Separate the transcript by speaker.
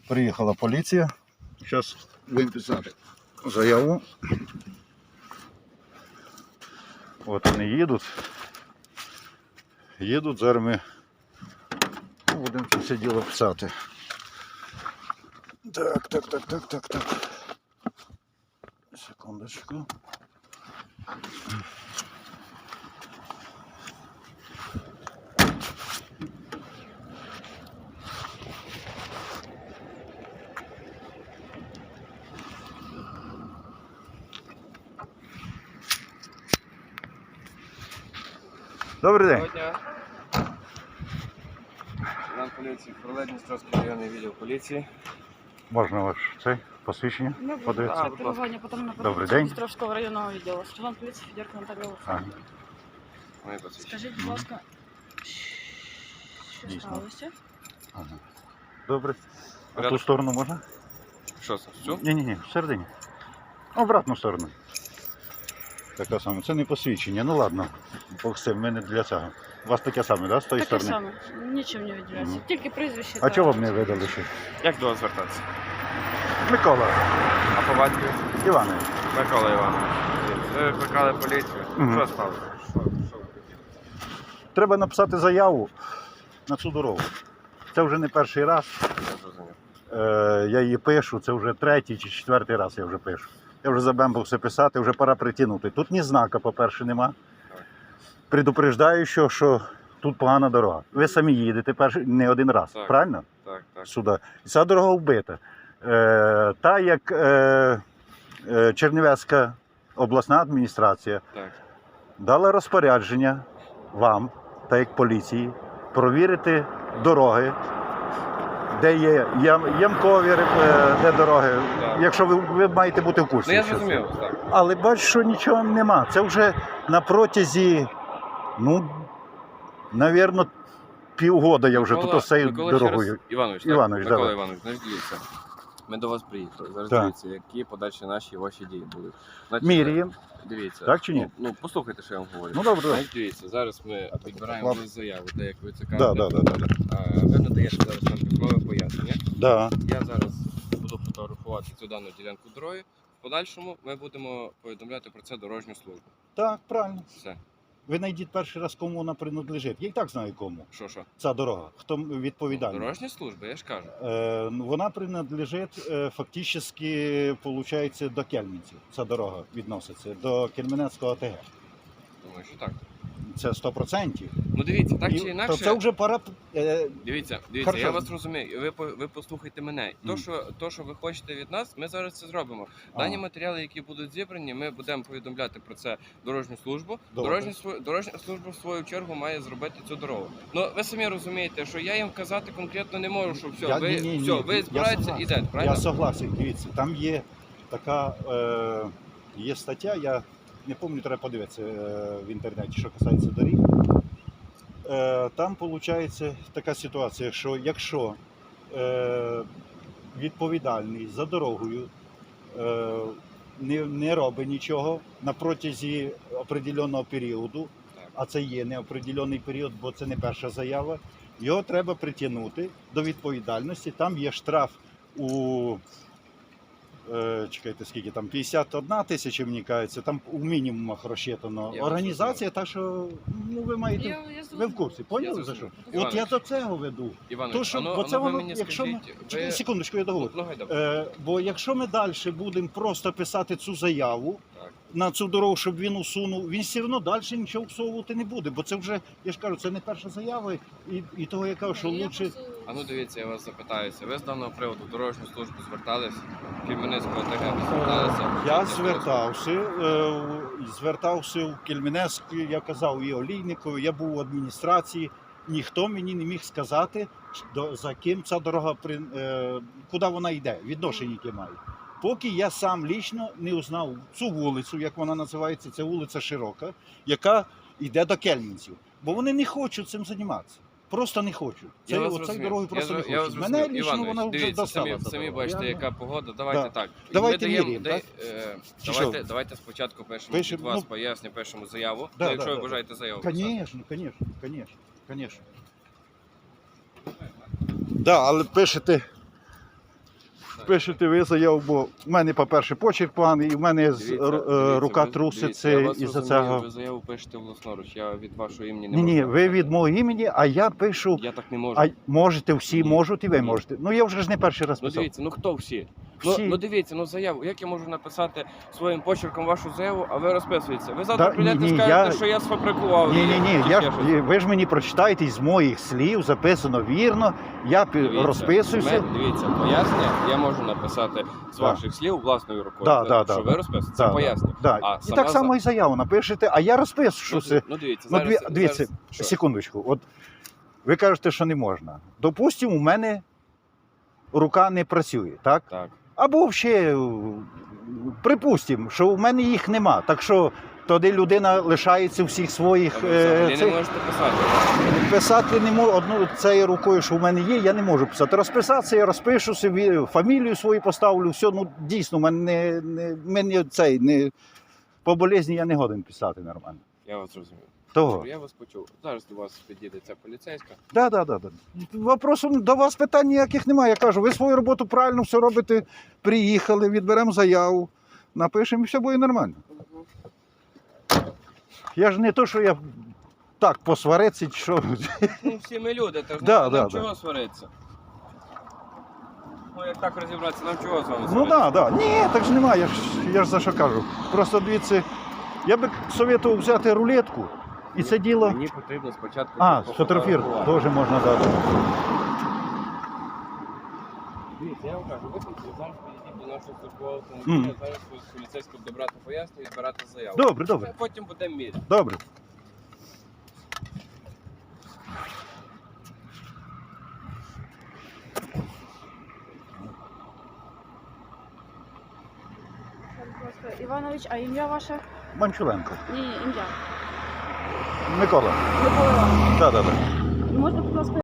Speaker 1: Приїхала поліція. Зараз будемо писати заяву. От вони їдуть. Зараз ми будемо це все діло писати. Так. Секундочку. Добрий день.
Speaker 2: Доброго дня. Сержант поліції Дністровський районний відділ поліції.
Speaker 1: Можна ваше це посвідчення подивитися?
Speaker 2: будь ласка.
Speaker 1: Добрий день.
Speaker 3: Дністровського районного відділу. Сержант поліції Федірка Наталія Олександрівна.
Speaker 2: Моє посвідчення.
Speaker 3: Скажіть, будь ласка, що
Speaker 1: Дійсно.
Speaker 3: сталося?
Speaker 1: Ага. Добре. А
Speaker 2: Порядок.
Speaker 1: ту сторону можна?
Speaker 2: Що це? Цю?
Speaker 1: Ні, всередині. Обратну сторону. Така саме. Це не посвідчення. Ну ладно. Бог з цим, ми не для цього. У вас таке саме, да, з тої
Speaker 3: Таке
Speaker 1: сторони?
Speaker 3: саме, нічим не відділяється.
Speaker 1: Мгм.
Speaker 3: Тільки прізвище.
Speaker 1: А
Speaker 3: та-
Speaker 1: чого вам не видали ще?
Speaker 2: Як до вас звертатися?
Speaker 1: Микола
Speaker 2: А по батькові?
Speaker 1: Іванович.
Speaker 2: Микола Іванович. Ви викликали поліцію.
Speaker 1: Мгм.
Speaker 2: Що сталося? Що ви хотіли?
Speaker 1: Треба написати заяву на цю дорогу. Це вже не перший раз.
Speaker 2: Я зрозумів.
Speaker 1: Я її пишу, це вже третій чи четвертий раз я вже пишу. Я вже забембався писати, вже пора притягнути. Тут ні знака, по-перше, нема. Предупреждаю, що тут погана дорога. Ви самі їдете не один раз,
Speaker 2: Так.
Speaker 1: правильно?
Speaker 2: Так.
Speaker 1: Сюди. І ця дорога вбита. Та як Чернівецька обласна адміністрація
Speaker 2: Так.
Speaker 1: дала розпорядження вам, та як поліції, провірити дороги, де є ямкові де дороги,
Speaker 2: Так.
Speaker 1: якщо ви маєте бути в курсі.
Speaker 2: Ну я
Speaker 1: що це.
Speaker 2: зрозумів, так.
Speaker 1: Але бачу, що нічого нема. Це вже на протязі, навірно, півгода я вже тут з цією
Speaker 2: Микола,
Speaker 1: дорогою.
Speaker 2: ще раз. Іванович, так?
Speaker 1: Іванович,
Speaker 2: Микола
Speaker 1: давай.
Speaker 2: Іванович, значить дивіться. Ми до вас приїхали. Зараз
Speaker 1: Так.
Speaker 2: дивіться, які подальші наші ваші дії будуть. Значить,
Speaker 1: Міряємо.
Speaker 2: Дивіться.
Speaker 1: Так чи ні?
Speaker 2: Ну, послухайте, що я вам говорю.
Speaker 1: Ну добре.
Speaker 2: Значить, дивіться, зараз ми підбираємо
Speaker 1: ладно.
Speaker 2: лист заяву, так як ви це
Speaker 1: Да.
Speaker 2: кажете. Ви надаєте зараз нам письмове пояснення.
Speaker 1: Да.
Speaker 2: Я зараз буду фотографувати цю дану ділянку дороги. В подальшому ми будемо повідомляти про це дорожню службу.
Speaker 1: Так, правильно.
Speaker 2: Все.
Speaker 1: Ви знайдіть перший раз, кому вона принадлежить. Я і так знаю кому.
Speaker 2: Що?
Speaker 1: Ця дорога. Хто відповідальний.
Speaker 2: Дорожня служба, я ж кажу.
Speaker 1: Вона принадлежить фактично, виходить, до Кельменців. Ця дорога відноситься до Кельменецького АТГ.
Speaker 2: Думаю, що так.
Speaker 1: Це 100%.
Speaker 2: Ну дивіться, так чи
Speaker 1: То
Speaker 2: інакше.
Speaker 1: це вже пора.
Speaker 2: Дивіться,
Speaker 1: Хорошо.
Speaker 2: я вас розумію. Ви послухайте мене. То, що ви хочете від нас, ми зараз це зробимо. Дані матеріали, які будуть зібрані, ми будемо повідомляти про це дорожню службу.
Speaker 1: Добре.
Speaker 2: Дорожня служба в свою чергу має зробити цю дорогу. Ну ви самі розумієте, що я їм казати конкретно не можу, що все, ви збираєтеся і йдете, правильно?
Speaker 1: Я согласен, дивіться, там є така є стаття, я не пам'ятаю, треба подивитися в інтернеті, що касається доріг. Там виходить така ситуація, що якщо відповідальний за дорогою не робить нічого на протязі определеного періоду, а це є неопределений період, бо це не перша заява, його треба притягнути до відповідальності. Там є штраф у, чекайте, скільки там, 51 тисяча, мені кажеться, там у мінімумах розчитано.
Speaker 2: Я
Speaker 1: Організація, так що ви маєте, ви в курсі, поняли за що?
Speaker 2: Іванович.
Speaker 1: От я до цього веду.
Speaker 2: Іванович,
Speaker 1: То, що,
Speaker 2: ану,
Speaker 1: бо це
Speaker 2: ану, ви
Speaker 1: воно,
Speaker 2: мені
Speaker 1: якщо ми,
Speaker 2: скажіть, ви...
Speaker 1: секундочку, я договорю.
Speaker 2: Ну, гайда.
Speaker 1: Бо якщо ми далі будемо просто писати цю заяву
Speaker 2: Так.
Speaker 1: на цю дорогу, щоб він усунув, він все одно далі нічого всовувати не буде. Бо це вже, я ж кажу, це не перша заява, і того я кажу, що лучше.
Speaker 2: А ну дивіться, я вас запитаюся. Ви з даного приводу в дорожню службу звертались? Кельменецького ТГ ви зверталися?
Speaker 1: Я звертався в Кельменецьку, я казав і Олійникові, я був в адміністрації. Ніхто мені не міг сказати, за ким ця дорога, куди вона йде, відношення яке має. Поки я сам лічно не узнав цю вулицю, як вона називається, це вулиця Широка, яка йде до Кельменців. Бо вони не хочуть цим займатися. Просто не хочуть. Цією дорогою просто не хочуть. Мене лічно вона вже
Speaker 2: дивіться,
Speaker 1: достала.
Speaker 2: самі бачите, яка погода. Давайте так.
Speaker 1: Давайте
Speaker 2: Ми даємо,
Speaker 1: міряємо, так?
Speaker 2: давайте спочатку пишемо
Speaker 1: Пишемо,
Speaker 2: від вас
Speaker 1: ну,
Speaker 2: пояснення, пишемо заяву.
Speaker 1: Да,
Speaker 2: Якщо
Speaker 1: да,
Speaker 2: ви
Speaker 1: да.
Speaker 2: бажаєте заяву писати.
Speaker 1: Звісно. Да, але пишете пишете ви заяву, бо в мене, по-перше, почерк поганий, і в мене рука
Speaker 2: ви-
Speaker 1: труситься
Speaker 2: я вас
Speaker 1: із-за
Speaker 2: розумію,
Speaker 1: цього.
Speaker 2: Ви заяву пишете власноруч, я від вашого імені не
Speaker 1: Ні,
Speaker 2: можу.
Speaker 1: ні, ви від мого імені, а я пишу.
Speaker 2: Я так не можу.
Speaker 1: А можете, всі
Speaker 2: Ні.
Speaker 1: можуть, і ви
Speaker 2: Ні.
Speaker 1: можете. Ну я вже ж не перший раз
Speaker 2: Ну
Speaker 1: писав.
Speaker 2: дивіться, ну хто всі?
Speaker 1: Всі.
Speaker 2: Ну дивіться, ну заяву. Як я можу написати своїм почерком вашу заяву, а ви розписуєтеся? Ви завтра
Speaker 1: Да,
Speaker 2: прийдете
Speaker 1: ні,
Speaker 2: і скажете,
Speaker 1: я-
Speaker 2: що я сфабрикував.
Speaker 1: Ні,
Speaker 2: її,
Speaker 1: ні, ні.
Speaker 2: чи
Speaker 1: Я
Speaker 2: ще
Speaker 1: ж,
Speaker 2: щось.
Speaker 1: ви ж мені прочитаєте із моїх слів, записано вірно. Я
Speaker 2: Дивіться,
Speaker 1: розписуюся.
Speaker 2: Дивіться, пояснення я можу написати з
Speaker 1: Да.
Speaker 2: ваших слів власною рукою.
Speaker 1: Да,
Speaker 2: Це,
Speaker 1: да,
Speaker 2: що
Speaker 1: да,
Speaker 2: ви
Speaker 1: да.
Speaker 2: розписуєте, це
Speaker 1: Да,
Speaker 2: пояснення.
Speaker 1: Да.
Speaker 2: А
Speaker 1: І
Speaker 2: сама
Speaker 1: так само і заяву напишете, а я розписуюся.
Speaker 2: Ну дивіться,
Speaker 1: Ну,
Speaker 2: зараз,
Speaker 1: дивіться,
Speaker 2: зараз, що?
Speaker 1: секундочку. От ви кажете, що не можна. Допустимо, у мене рука не працює, так?
Speaker 2: Так.
Speaker 1: Або ще припустимо, що у мене їх нема. Так що тоді людина лишається всіх своїх
Speaker 2: А ви взагалі не
Speaker 1: цих.
Speaker 2: можете писати.
Speaker 1: Писати не можу одну цією рукою, що в мене є, я не можу писати. Розписатися, я розпишу собі, фамілію свою поставлю, все, ну дійсно, в мене мені цей не по болезні я не годен писати нормально.
Speaker 2: Я вас зрозумів.
Speaker 1: Того.
Speaker 2: Я вас почув. Зараз до вас підійде ця поліцейська.
Speaker 1: Да. Вопросу до вас питань ніяких немає. Я кажу, ви свою роботу правильно все робите, приїхали, відберемо заяву, напишемо і все буде нормально. Я ж не то, що я так посваритися, що.
Speaker 2: Ну всі ми люди, так
Speaker 1: Да,
Speaker 2: нам
Speaker 1: да,
Speaker 2: чого сваритися? Ну як так розібратися, нам чого з вами
Speaker 1: Ну
Speaker 2: сваритися?
Speaker 1: так. Ні, так ж немає, я ж за що кажу. Просто дивіться, я би советував взяти рулетку і це діло.
Speaker 2: Мені потрібно спочатку...
Speaker 1: Фотографір
Speaker 2: пофотографувати.
Speaker 1: теж можна дати.
Speaker 2: Дивіться, я вам кажу, ви тут зараз підійдіть до нашого службового автомобіля, зараз з поліцейського добрати пояснення і збирати заяву.
Speaker 1: Добре.
Speaker 2: Потім будемо міряти.
Speaker 1: Добре.
Speaker 3: Будь ласка, Іванович, а ім'я ваше?
Speaker 1: Манчуленко.
Speaker 3: Ні, ім'я.
Speaker 1: Микола.
Speaker 3: Микола Іванович.
Speaker 1: Да.
Speaker 3: Можна, будь ласка,